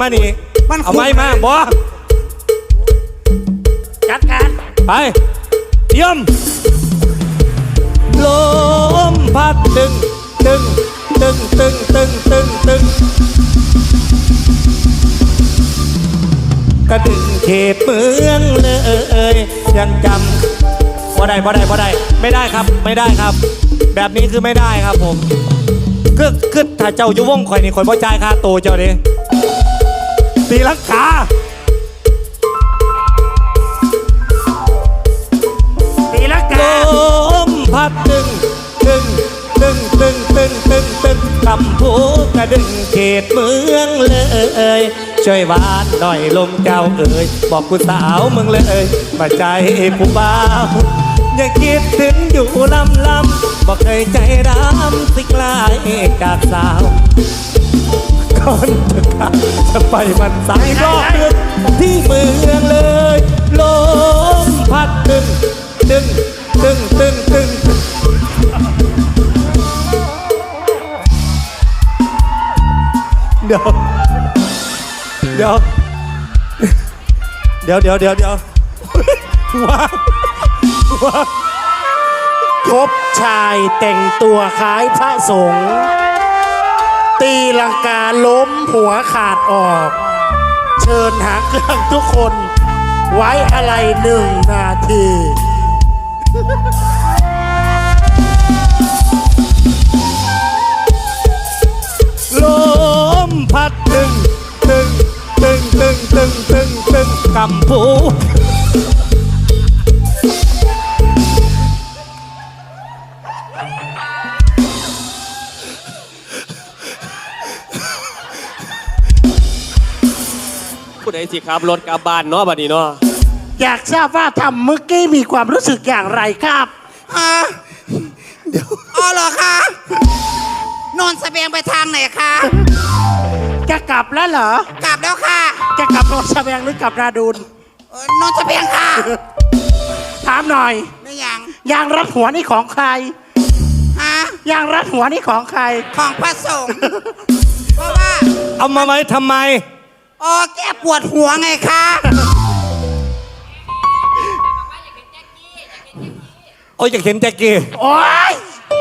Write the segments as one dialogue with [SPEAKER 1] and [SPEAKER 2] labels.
[SPEAKER 1] มานี่เอาไม้มาบอ
[SPEAKER 2] จัดการ
[SPEAKER 1] ไปเยี่ยมลมพัดตึงตึงตึงตึงตึงตึงตึงกระดึงเขตเมืองเลยยังจำบ่ได้ไม่ได้ครับไม่ได้ครับแบบนี้คือไม่ได้ครับผมคือถ้าเจ้าอยู่วงข่อยนี่ข่อยบ่จ่ายค่าโตเจ้าดิตีลังกา
[SPEAKER 2] ตีลังกา
[SPEAKER 1] ลมพัดตึงตึงตึงตึงตึงตึงตึงคำพูดกระดึงเขตเมืองเลยช่วยวานหน่อยลมเจ้าเอ๋ยบอกผู้สาวมึงเลยมาใจผู้บ่าวยังคิดถึงอยู่ลำบอกเคยใจดำสิกลายจากสาวก่อนจะไปมันสายรอบเมืองที่เมืองเลยลมพัดตึงตึงตึงตึงตึงเดี๋ยวว้าว
[SPEAKER 2] พบชายแต่งตัวคล้ายพระสงฆ์ตีลังกาล้มหัวขาดออกเชิญหางเครื่องทุกคนไว้อะไร1 นาที
[SPEAKER 1] ลมพัดตึงตึงตึงตึงตึงตึงตึงกำพู
[SPEAKER 3] ผู้ใดสิครับรถกลับบ้านเนาะบัดนี้เนาะ
[SPEAKER 2] อยากทราบว่าทำเมื่อกี้มีความรู้สึกอย่างไรครับ
[SPEAKER 1] เดี๋ยว
[SPEAKER 4] อ๋อเหรอคะนนท์เสบียงไปทางไหนคะ
[SPEAKER 2] จะกลับแล้วเหรอก
[SPEAKER 4] ลับแล้วค่ะ
[SPEAKER 2] จะกลับโนนเสบียงหรือกลับนาดูน
[SPEAKER 4] นนท์เสบียงค่ะ
[SPEAKER 2] ถามหน่อย
[SPEAKER 4] ไม่ยัง
[SPEAKER 2] ยางรัดหัวนี่ของใคร
[SPEAKER 4] ฮะ
[SPEAKER 2] ยางรัดหัวนี่ของใคร
[SPEAKER 4] ของพระสงฆ์เพราะว่า
[SPEAKER 1] เอามาไว้ทำไม
[SPEAKER 4] อ๋อแก้ปวดหัวไงคะ
[SPEAKER 1] โอ้ยอยากเห็นแจ็คกี้
[SPEAKER 2] โอ้ย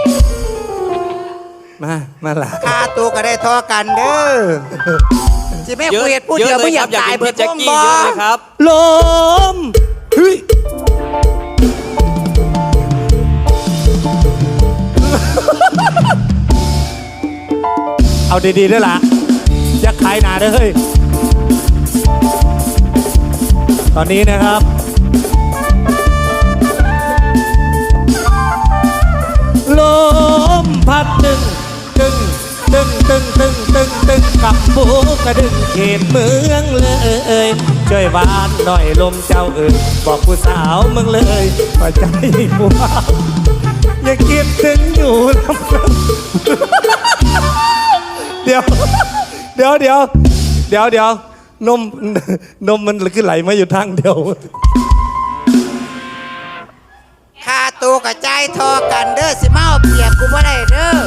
[SPEAKER 1] มาละ
[SPEAKER 4] ค่าตัวก็ได้ทอกันเด้อจิแม่คุยพูดเดียวไม่อยากตายเบิดแจ็คกี้เยอะเลยครับ
[SPEAKER 1] ลมเฮ้ยเอาดีๆด้วยล่ะอยากขายหนาด้วยเฮ้ยตอนนี้นะครับลมพัดตึงตึงตึงตึงตึงตึงตึงกับผูกระดึงเขตเมืองเลยช่วยวานหน่อยลมเจ้าเอ๋ยบอกผู้สาวมึงเลยว่าใจผู้บ่าวอย่าคิดถึงอยู่ลำเดี๋ยวนมมันขึ้นไหลมาอยู่ทางเดียว
[SPEAKER 4] ค่าตัวกับใจทอกันเด้อสิมาเอาเปรียบกูบ่ได้เด้อ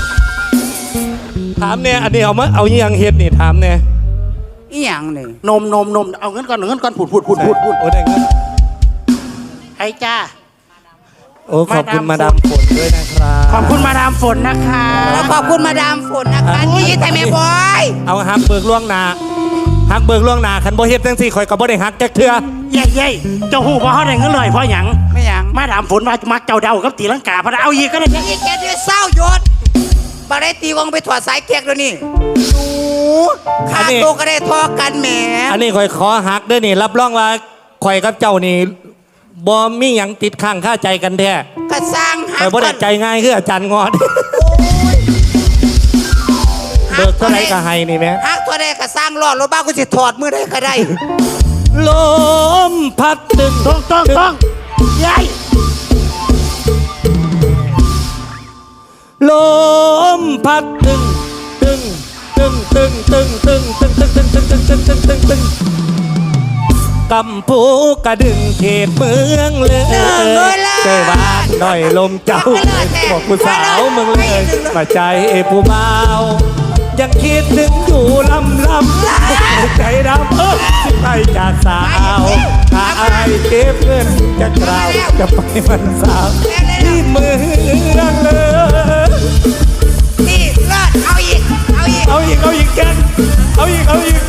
[SPEAKER 1] ถามเนี่ยอันนี้เอาอย่างเฮ็ดนี่ถามเนี่ย
[SPEAKER 4] อีหยังนี่
[SPEAKER 2] นมเอาเงินก่อนพูด
[SPEAKER 1] โอ้ได้เงิน
[SPEAKER 2] ให้จ้า
[SPEAKER 1] โอ้ขอบคุณมาดามฝนด้วยนะครับ
[SPEAKER 2] ขอบคุณมาดามฝนนะคะ
[SPEAKER 4] แล้วขอบคุณมาดามฝนนะคะนี่แต่แม่บอย
[SPEAKER 1] เอาฮักเบิกล่วงหนาคันบ่เฮ็ดจังซี่ข่อยก็บ่ได้ฮักจักเทื่อ
[SPEAKER 2] เย้เจ้าฮู้บ่เฮาได้เงินเลยเพราะหยัง
[SPEAKER 4] ไม่หยัง
[SPEAKER 2] มาดามฝนมามักเจ้าเดากับตีลังกาพะเอาอีกก็ได้
[SPEAKER 4] อีกแกเดือดเศร้าหยดบ่ได้ตีวงไปถอดสายแก๊กแล้วนี่ดูค่าตัวก็ได้ทอกันแหม
[SPEAKER 1] อันนี้ข่อยขอฮักเด้อนี่รับรองว่าข่อยกับเจ้านี่บ่มีหยังติดข้างคาใจกันแท้
[SPEAKER 4] ก็สร้างฮัก
[SPEAKER 1] ข่อยบ่ได้ใจง่ายคืออาจารย์งอดเบิกเท่าไหร่ก็ให้นี่แม่
[SPEAKER 4] ฮักตัวใดก็สร้างรอดรถบ้ากูสิถอดมือได้ก็ได้
[SPEAKER 1] ลมพัดตึง
[SPEAKER 2] ต้องยัย
[SPEAKER 1] ลมพัดตึงตึงตึงตึงตึงตึงตึงตึงตึงตึงตึงตึงตึงตึงตึงกำพูกระดึงเขตเมืองเลยเจอบ้านหน่อยลมเจ้าบอกผู้สาวมึงเลยมาใจผู้เมายังคิดถึงอยู่ลำสาวถ้าอายเก็บเงินจะกล่าวจะไปวันสาวที่เมืองเลย
[SPEAKER 4] นี่เลิศเอาอีกเอาอีก
[SPEAKER 1] เอาอีก เอาอีกแกนเอาอีก เอาอีก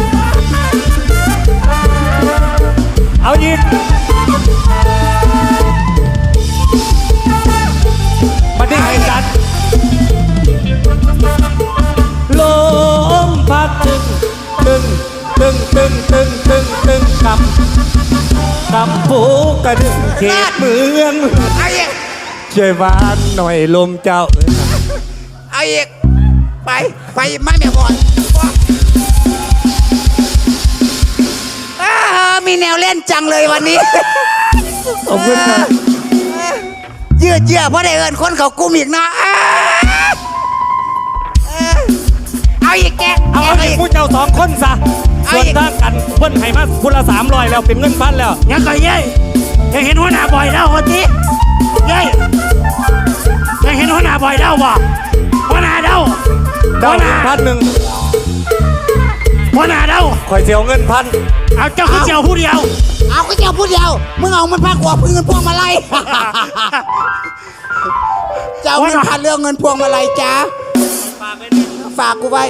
[SPEAKER 1] เอาอีกมาได้ให้กันลมพัดตึงคำผูกกระดึงเขตเมือง
[SPEAKER 4] เอาอีก
[SPEAKER 1] ช่วยหวานหน่อยลมเจ้า
[SPEAKER 4] เอาอีกไปไม่แม่บอลมีแนวเล่นจังเลยวันนี้
[SPEAKER 1] ขอบคุณครับ
[SPEAKER 4] ยืดเยื้อเพราะได้เอินคนเขากุ้มอีกเนาะเอาอีกแก
[SPEAKER 1] เอาอีกผู้เจ้า2 คนซะ
[SPEAKER 4] เอา
[SPEAKER 1] ส่วน
[SPEAKER 4] อีก
[SPEAKER 1] ทางกันเพิ่นให้มาคนละ300แล้วเป็นเงินพันแล้ว
[SPEAKER 2] ยังก่อยเย้ยยังเห็นหัวหน้าบ่อยแล้วคนที่เย้ยยังเห็นหัวหน้าบ่อยแล้วบ่หัวหน้าเด้า
[SPEAKER 1] เจ้า
[SPEAKER 2] หัวหน้า
[SPEAKER 1] 1,000
[SPEAKER 2] หัวหน้าเด้า
[SPEAKER 1] ข่อยเสียวเงินพัน
[SPEAKER 2] เอาเจ้าขึ้นเจียวผู้เดียว
[SPEAKER 4] เอาก็เจ้าพูดเดียวมึงเอามันพักหัวพึ่งเงินพวงมาลัย เจ้าเงินพันเรื่องเงินพวงมาลัยจ้าฝากกูไว้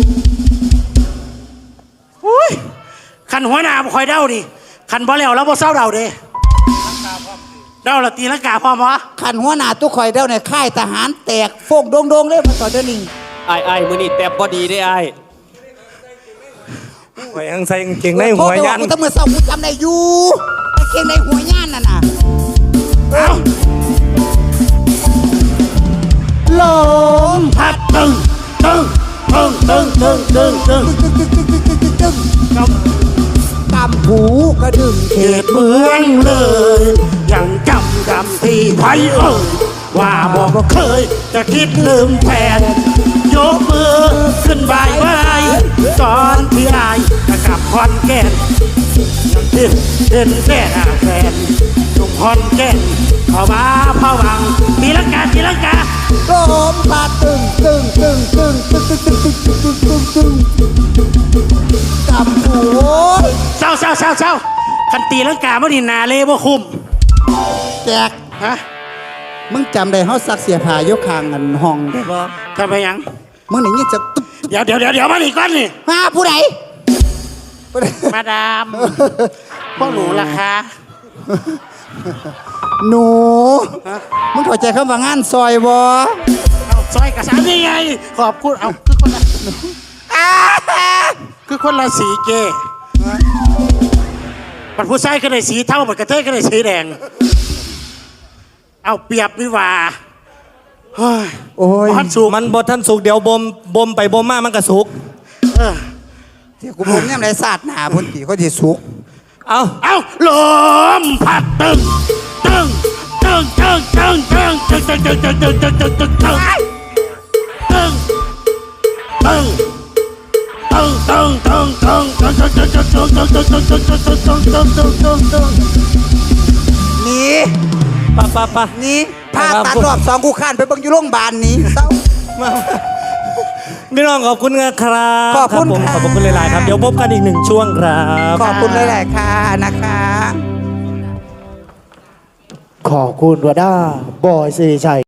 [SPEAKER 2] อุ้ยขันหัวหน้าบ่คอยเด้าดิขันบ่แล้วแล้วบ่เศร้าเด้าเด้เด้าละตีลังกาพร้อมวะ
[SPEAKER 4] ขันหัวหน้าตู้คอยเด้าในค่ายทหารแตกโฟกโดงเลยมาต่อเดี๋ยวนี้
[SPEAKER 3] ไอ้มือนี่แต่บอดีได้ไอ้
[SPEAKER 1] ข่อยยังใส่กางเกงในหัวยัน
[SPEAKER 4] กูต้องมือเศร้ากูจำได้อยู่กางเกงในหัวย่านนั่นน่ะ
[SPEAKER 2] เอา
[SPEAKER 4] ลม
[SPEAKER 2] พัดตึง
[SPEAKER 4] กำหูกระดึงเข
[SPEAKER 2] เข
[SPEAKER 4] ต
[SPEAKER 2] ตเมืองเลย ยังจำที่ไทยว่าบอกเคย จะคิดลืมแฟนยกมือขึ้นบายบายตอนที่อายจะกลับคอนแก่นยังคิดเป็นแค่แฟนทุกคอนแก่นเข้ามาพะวังตีลังกา
[SPEAKER 4] ลมพัดตึงกำหู
[SPEAKER 2] เศร้าคันตีลังกาไม่ดีนาเล่บ่คุ้ม
[SPEAKER 4] แจก
[SPEAKER 2] ฮะ
[SPEAKER 4] มึงจำได้เฮาซักเสียผ้ายกคางกันห้องได้บ่
[SPEAKER 2] ทำไมยัง
[SPEAKER 4] มึงนี่ยิ่งจะตุ๊บ
[SPEAKER 2] เดี๋ยวมาอีกก้อนนี่
[SPEAKER 4] มาผู้ใด
[SPEAKER 2] มาดามพวกหนูล่ะคะ
[SPEAKER 4] หนู มึงเข้าใจคำว่างานซอยบ่
[SPEAKER 2] เอาซอยกระสานนี่ไงขอบคุณเอาคือคนละสีเกปัดผู้ชายก็ได้สีเท่าปัดกระเทยก็ได้สีแดงเอาเปรียบวิวาเฮ้ย
[SPEAKER 4] โอ้ย
[SPEAKER 2] พันสูง
[SPEAKER 1] มันบดท่านสุกเดี๋ยวบ่มไปบ่มมามันก็สุก
[SPEAKER 2] เออ
[SPEAKER 4] เดี๋ยวกูผมเนี่ยไรศาสตร์หนาพุ่นตีเขาที่สุก
[SPEAKER 1] เอา
[SPEAKER 2] เอาลมพัดตึง
[SPEAKER 4] นี่
[SPEAKER 1] ปะ
[SPEAKER 4] นี่พาตัดรอบ2กูข้านไปเบิ่งอยู่โรงพยาบาลนี้เศร้า
[SPEAKER 1] พี่น้องขอบคุณครับ
[SPEAKER 4] ขอบคุณ
[SPEAKER 1] ผม
[SPEAKER 4] ค่ะ
[SPEAKER 1] ขอบคุณหลายๆครับ เดี๋ยวพบกันอีก1 ช่วงครับ
[SPEAKER 4] ขอบคุณหลายๆค่ะนะคะ
[SPEAKER 5] ขอบคุณวด้าบอยสิริชัย